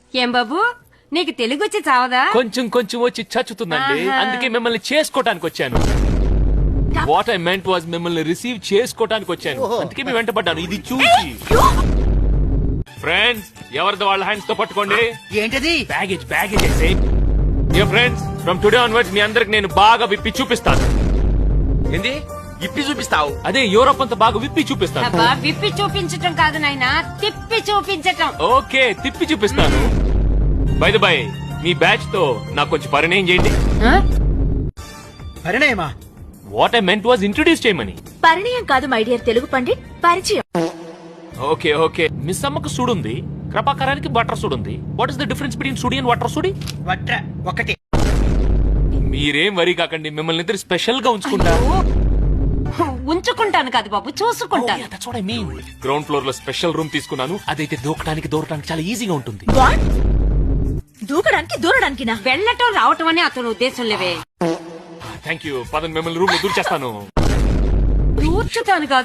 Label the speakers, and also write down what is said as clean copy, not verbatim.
Speaker 1: ఏం బాబు నీకు తెలుగు వచ్చి చావదా?
Speaker 2: కొంచెం కొంచెం వచ్చి చచ్చుతుందండి. అందుకే మిమ్మల్ని చేసుకోవటానికి వచ్చాను. వాట్ ఐ మెంట్ వాజ్ మిమ్మల్ని రిసీవ్ చేసుకోవటానికి వచ్చాను. అందుకే మీ వెంట పడ్డాను. ఇది చూసి ఫ్రెండ్స్ ఎవరిది వాళ్ళ హ్యాండ్స్ తో పట్టుకోండి.
Speaker 3: ఏంటది?
Speaker 2: Baggage friends from today onwards మీ అందరికి నేను బాగా విప్పి చూపిస్తాను.
Speaker 3: ఏంది ఇప్పి చూపిస్తావు?
Speaker 2: అదే యూరోప్ అంతా బాగా విప్పి చూపిస్తాను.
Speaker 1: అబ్బా విప్పి చూపించటం కాదు నాయనా, తిప్పి చూపించటం.
Speaker 2: ఓకే తిప్పి చూపిస్తాను. బై ద బై మీ బ్యాచ్ తో నాకు కొంచెం పరిణయం చేయండి.
Speaker 1: ఆ?
Speaker 3: పరిణయమా?
Speaker 2: What I meant was introduce చేయమని.
Speaker 4: పరిణయం కాదు మై డియర్ తెలుగు పండిట్, పరిచయం.
Speaker 2: ఓకే ఓకే మిస్ అమ్మకు సుడుంది, కృపాకరానికి బటర్ సుడుంది. What is the difference between సుడి అండ్ వాటర్ సుడి?
Speaker 3: వట్ర ఒకటి.
Speaker 2: మీరేం వరి కాకండి, మిమ్మల్ని ఇద్దరు స్పెషల్ గా ఉంచుకుంటా.
Speaker 1: ఉంచుకుంటాను కాదు బాబు, చూసుకుంటాను.
Speaker 2: గ్రౌండ్ ఫ్లోర్ లో స్పెషల్ రూమ్ తీసుకున్నాను. అదైతే దూకడానికి చాలా ఈజీగా ఉంటుంది.
Speaker 4: వాట్? దూకడానికి దూరడానికి నా
Speaker 1: వెళ్ళటం రావటం అని అతను ఉద్దేశం లేవే.
Speaker 2: Thank you. పదండి మిమ్మల్ని రూమ్ లో దూర్చేస్తాను.
Speaker 1: దూర్చుతాను కాదు